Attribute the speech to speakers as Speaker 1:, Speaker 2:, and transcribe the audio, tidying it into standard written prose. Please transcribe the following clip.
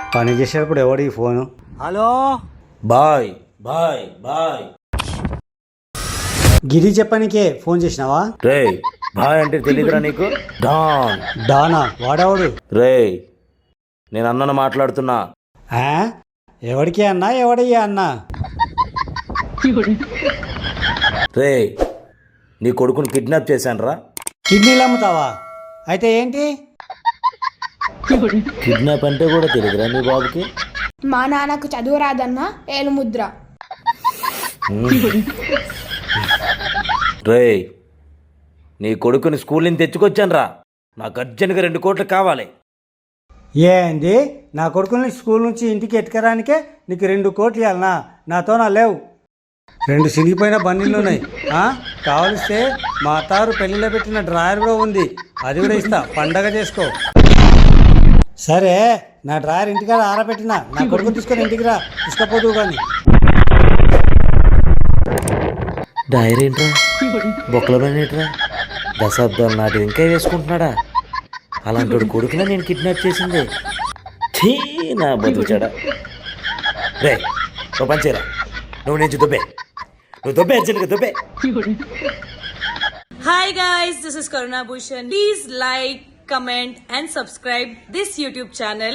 Speaker 1: పని చేసేటప్పుడు ఎవడి phone? Hello
Speaker 2: bye bye bye.
Speaker 1: Giri చెప్పనికే ఫోన్ చేసినావా?
Speaker 2: రే బాయ్ అంటే తెలియదురా నీకు? డాన్.
Speaker 1: డానా? వాడేవాడు?
Speaker 2: రే నేను అన్నను మాట్లాడుతున్నా.
Speaker 1: ఆ? ఎవడికి అన్నా ఎవడయ్యా అన్నా?
Speaker 2: రే నీ కొడుకుని కిడ్నాప్ చేశానురా.
Speaker 1: కిడ్నీలు అమ్ముతావా? అయితే ఏంటి?
Speaker 2: కిడ్నాప్ అంటే కూడా తెలియదురా నీ బాబుకి?
Speaker 3: మా నాన్నకు చదువు రాదన్న ఏలుముద్ర.
Speaker 2: రే నీ కొడుకుని స్కూల్ నుంచి తెచ్చుకొచ్చానురా. నాకు అర్జెంట్గా 2 కోట్లు కావాలి.
Speaker 1: ఏంది? నా కొడుకుని స్కూల్ నుంచి ఇంటికి ఎట్టుకరానికే నీకు 2 కోట్లు ఇవ్వాలనా? నాతో నా లేవు. 2 సినిగిపోయిన బండిలు ఉన్నాయి. కావలిస్తే మా అత్తారు పెళ్లిలో పెట్టిన డ్రాయర్ కూడా ఉంది, అది కూడా ఇస్తా, పండగ చేసుకో. సరే నా డ్రాయర్ ఇంటికాడ ఆరబెట్టిన, నా కొడుకు తీసుకొని ఇంటికి రా, తీసుకపోదు కానీ.
Speaker 2: డైరీ ఏంట్రా? బొక్కలమేంట్రా? దశాబ్దాల నాటి ఇంకా వేసుకుంటున్నాడా? అలాంటి కొడుకునే నేను కిడ్నాప్ చేసింది. ఛీ నా బతుకుచాడా. రే నువ్వు పంచేరా, నువ్వు నుంచి దుబ్బే, నువ్వు దుబ్బే, అర్జెంట్గా దుబ్బే.
Speaker 4: Hi guys, this is Karuna Bhushan. Please like, comment and subscribe this YouTube channel.